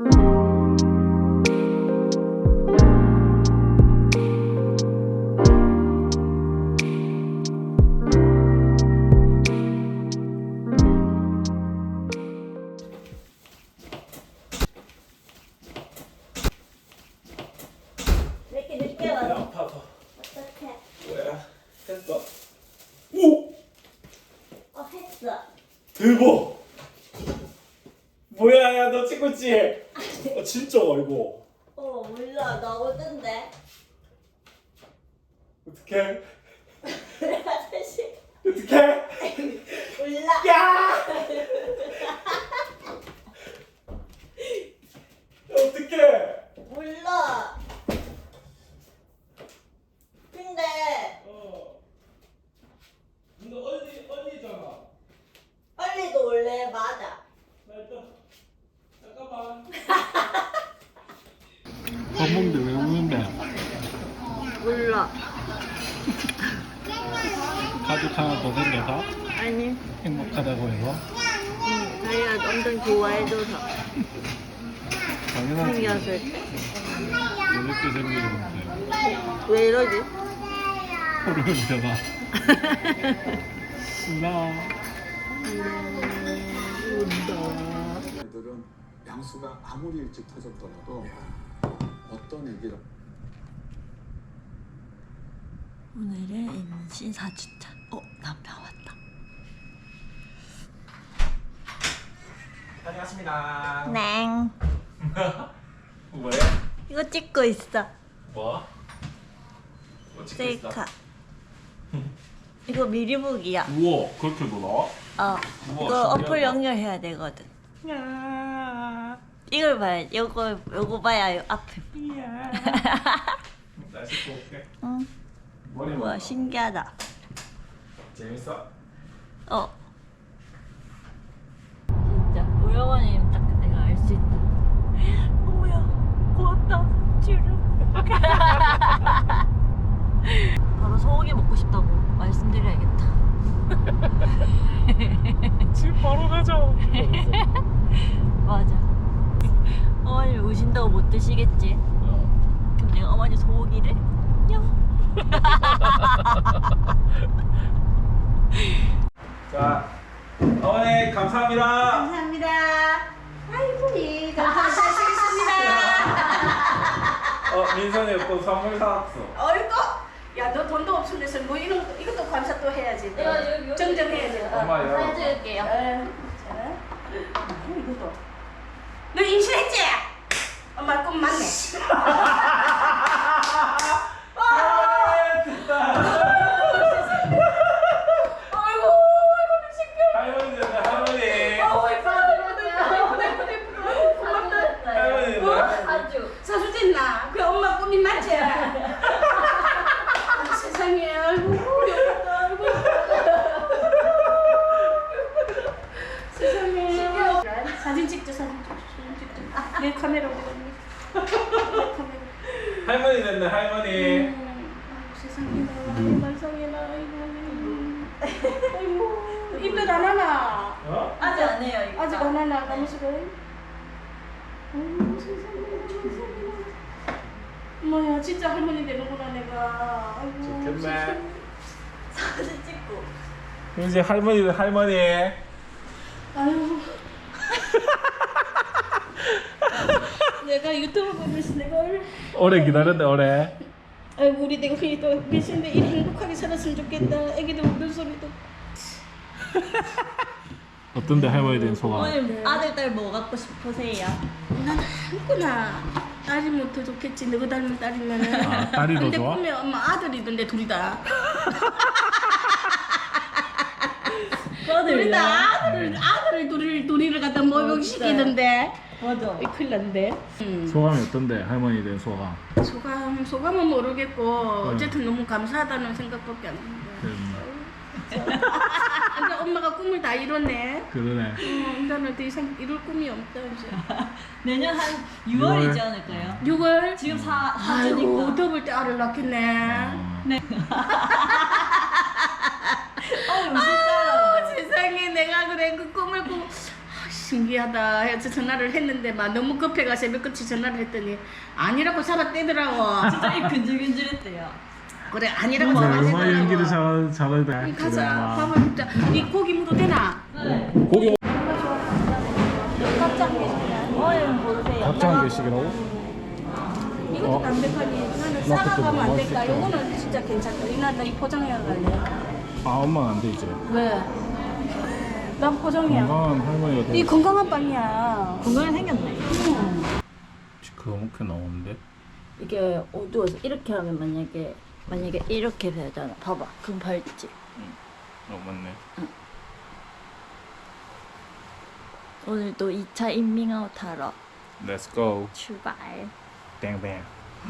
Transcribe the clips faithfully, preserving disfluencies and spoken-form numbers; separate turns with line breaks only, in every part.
이렇게 늦게 와서
아파서.
어떡해?
뭐야? 했어. 오!
어 했어.
대박! 뭐야, 야, 너 찍고 있지? 어, 진짜, 이거.
어 몰라 나오던데.
어떡해?
사실
어떡해?
몰라.
야! 어떡해?
몰라. 근데
어. 너 언니, 언니잖아.
언니도 원래 맞아.
나 일단, 잠깐만.
밥 먹는데 왜 우는데?
몰라.
가족 하나 더 생겨서
아니.
행복하다고 해서
응, 자기가 엄청 좋아해줘서
당연하지.
생겼을 때.
이렇게 생기는데
왜 이러지?
코를 흔들어. 나
애들은 양수가 아무리 일찍 터졌더라도 어떤 얘기를
오늘은 임신 사 주차. 어 남편 왔다.
다녀왔습니다.
네.
뭐야?
이거 찍고 있어.
뭐? 뭐 찍고 있어?
셀카. 이거 미리 보기야.
우와, 그렇게 놀아?
어.
우와,
이거
신기하다.
어플 연결해야 되거든. 이걸 봐야. 요거 요거 봐야 요 앞에.
날 씻고 올게.
응.
머리
우와 신기하다.
재밌어?
어. 진짜 우영원님 딱 내가 알 수 있다. 어머야 고맙다 주름. 바로 소고기 먹고 싶다고 말씀드려야겠다.
지금 바로 가자.
맞아. 어머니 우신다고 못 드시겠지?
어.
그럼 내가 어머니 소고기를 냥.
자, 어머니 감사합니다.
감사합니다. 아이고, 예, 감사하시겠습니다.
어, 민선이 또 선물 사왔어.
어이구, 야, 너 돈도 없으면서 뭐 이런 거, 이것도 감사 또 해야지. 또.
내가 여기, 여기
정정해야지. 어.
엄마 요
사줄게요.
어, 자, 어, 이것도. 너 임신했지? 엄마 꿈 맞네. 아이고, 아이고, 미친겨.
할머니 됐네, 할머니.
아우, 예쁘다, 예쁘다, 예쁘다, 예쁘다, 예쁘다. 고맙다.
할머니 됐네.
아주.
사주됐나? 그 엄마 꿈이 맞지? 아, 세상에, 아이고, 예쁘다, 아이고. 세상에. 사진 찍자, 사진 찍자, 사진 찍자. 내 카메라 어디 갔니? 내 카메라.
할머니 됐네, 할머니.
음, 아이고, 세상에나, 말썽이나, 아이고. 아이고, 입덧 안 하나?
어?
아직 안 해요 이거.
아직 안 하나, 가면서가. 아이고, 세상에, 세상에나. 엄마야, 진짜 할머니 되는구나, 내가. 아이고,
좋겠네.
세상에.
사진 찍고.
이제 할머니 된 할머니.
아유. 내가 유튜브 보면서 내가 얼-
오래 기다렸네, 오래.
아이고 우리 내가 또 미신데 이 행복하게 살았으면 좋겠다. 애기들 우는 소리도.
어떤데 할머니 된 소감?
어머님 아들 딸 뭐 갖고 싶으세요?
난 아무거나 딸이면 더 좋겠지. 너가 닮은 딸이면은.
아, 딸이 더
근데
좋아?
보면 엄마 아들이던데 둘이 다. 둘이 다 아들을 아들을 둘이 둘이를 갖다 목욕시키던데.
맞아.
이 큰일 났는데. 음.
소감이 어떤데, 할머니 된 소감?
소감 소감은 모르겠고 어쨌든 너무 감사하다는 생각밖에 안 든다. 근데 엄마가 꿈을 다 이뤘네.
그러네.
어, 나는 더 이상 이룰 꿈이 없다 이제.
내년 한
유월.
유월이지 않을까요?
유월.
지금 사
아이고
사주니까.
더블 때 알을 낳겠네.
어.
네. 아
아,
진짜.
세상에 내가 그래 그 꿈을 꾸. 아씨 신기하다 해서 전화를 했는데 막 너무 급해가 새벽같이 전화를 했더니 아니라고 잡아떼더라고.
진짜 입 근질근질했대요.
그래 아니라고
음악 연기를
잡아떼더라고.
잘 잘하다.
이 가자. 밥을 먹자. 이 고기 무도 되나?
네.
고기
어이 보세요.
각자 한 개씩이라고?
이것도
어.
담백하니 나는
그것도
싸가가면 안
먹을
될까?
수 있다.
요거는 진짜 괜찮다. 이날 이 포장해 갈래.
아 엄마는 안 돼 이제.
왜? 난 포장이야.
건강한 할머니가
이
돼.
건강한 빵이야.
건강히 생겼네.
그거 먹게 나오는데.
이게 어두워서 이렇게 하면 만약에 만약에 이렇게 되잖아. 봐봐. 그럼 밝지.
어 맞네.
오늘도 이 차 인밍아웃 하러
Let's go.
출발.
땡땡.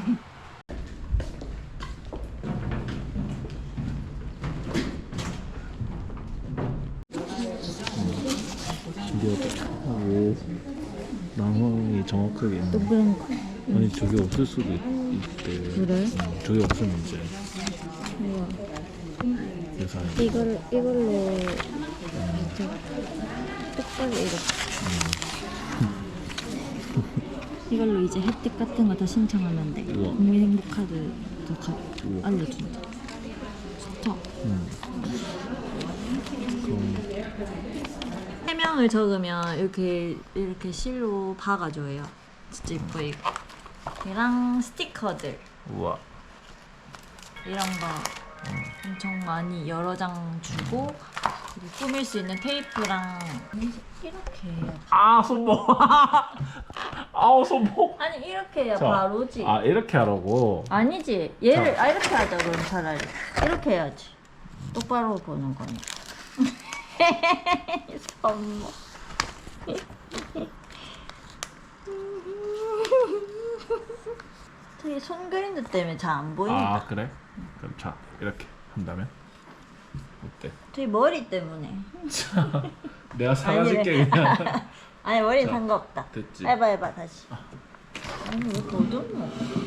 신기하다. 오, 나무이 정확하게 있네.
동그란 거.
아니 저게 없을 수도 있, 있대.
그래?
응, 저게 없으면 이제
우와.
그래서
이걸 이걸로 이제 똑바로 이렇게. 이걸로 이제 혜택 같은 거 다 신청하면 돼.
우와.
국민행복카드도 가,
우와.
알려준다. 좋다.
음. 그럼
해명을 적으면 이렇게 이렇게 실로 박아줘요. 진짜 예뻐 이거. 얘랑 스티커들
우와.
이런 거 엄청 많이 여러 장 주고 그리고 꾸밀 수 있는 테이프랑 이렇게 해요.
아 손목. 아우 손목.
아니 이렇게 해야
자,
바로지.
아 이렇게 하라고.
아니지. 얘를
자.
아 이렇게 하자 그럼 차라리. 이렇게 해야지. 똑바로 보는 거니. 선모. 되게 손 그림자 때문에 잘 안 보인다.
아 그래? 그럼 자 이렇게 한다면 어때?
되게 머리 때문에.
내가 사라질게 그냥.
아니 머리
자,
상관없다.
됐지.
해봐 해봐 다시. 아니 왜 더듬어?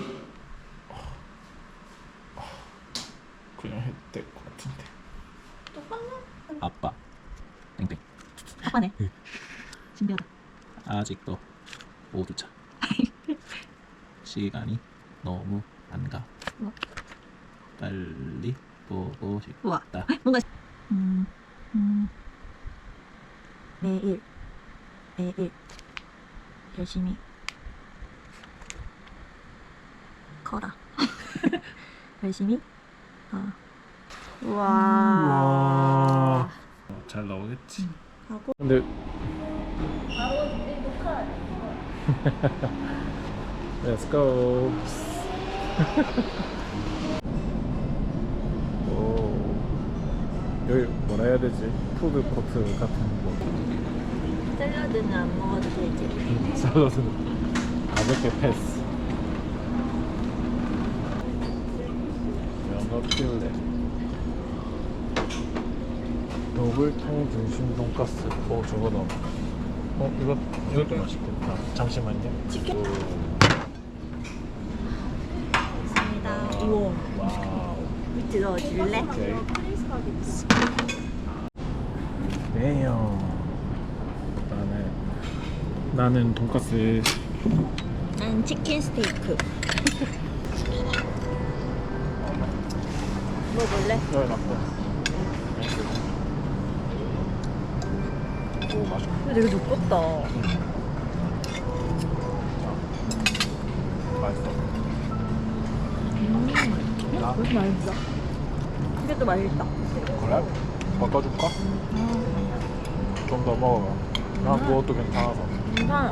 그냥 해도 될 것 같은데.
똑같네.
아빠 땡땡.
아빠네. 신기하다.
아직도 오두차. 시간이 너무 안 가.
뭐?
빨리 보고
우와.
싶다.
뭔가 음, 음. 매일 매일 열심히 커라. 열심히 어. 우와.
와. 잘 나오겠지.
하고
근데
바로 녹화.
Let's go. 오. 여기 뭐라 해야 되지? 푸드 코트 같은 거.
샐러드는 안 먹어도 되지.
샐러드는 가볍게 패스. 면허 필레. 노블통 등심 돈가스. 오 저거 넣어. 어 이거 이것도 맛있겠다. 잠시만요.
치킨?
오.
감사합니다. 우와.
와우.
밑에 넣어줄래?
오케이. 네요. 나는 나는 돈가스.
난 치킨 스테이크. 먹을래?
네, 맞고. 오 맛있어.
근데 되게 두껍다.
맛있어.
음,
나?
그것도 맛있어. 이게 또 맛있다.
그래? 바꿔줄까? 좀 더 먹어봐. 난 그것도 괜찮아서.
괜찮아.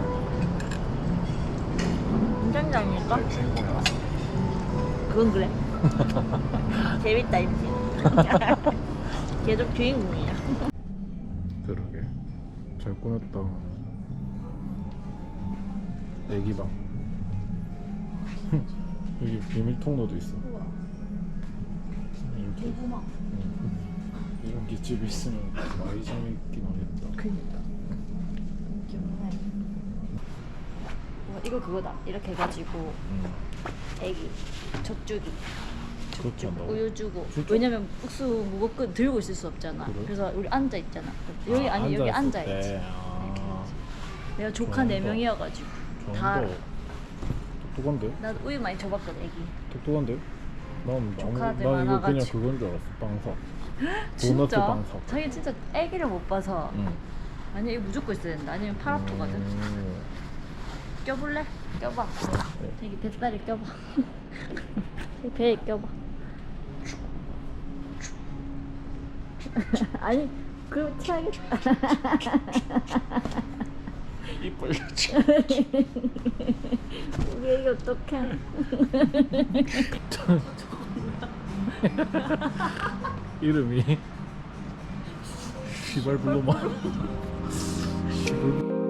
괜찮다니까?
내 주인공이야.
그건 그래. 재밌다, 임신. 계속 주인공이야.
그러게. 잘 꾸몄다. 애기방. 여기 비밀 통로도 있어. 이렇게. 이런 게 집에 있으면 많이 재밌긴 하겠다.
그니까. 와, 이거 그거다. 이렇게 해가지고
응.
애기 젖주기.
그렇게 한다고?
우유 주고.
진짜?
왜냐면 국수 무겁고 들고 있을 수 없잖아.
그래?
그래서 우리 앉아 있잖아. 여기
아,
아니 여기 앉아
앉아있을
있지.
때. 아.
내가 조카
좋아한다.
네 명이어가지고 다
저한도 똑똑한데?
나 우유 많이 줘봤거든 애기.
똑똑한데? 난, 정, 난
조카들
이거 그냥
많아가지고.
그건 줄 알았어. 빵사. 도넛
진짜?
빵사.
자기 진짜 애기를 못 봐서
응.
아니 이거 무조건 있어야 된다. 아니면 팔 아프거든.
음.
껴볼래? 껴봐.
네.
여기 뱃살에 껴봐. 여기 배에 껴봐. 아니 그럼 취하겠다.
입 벌렸지.
우리 애기 어떡해.
이름이 시발 블루마. 시발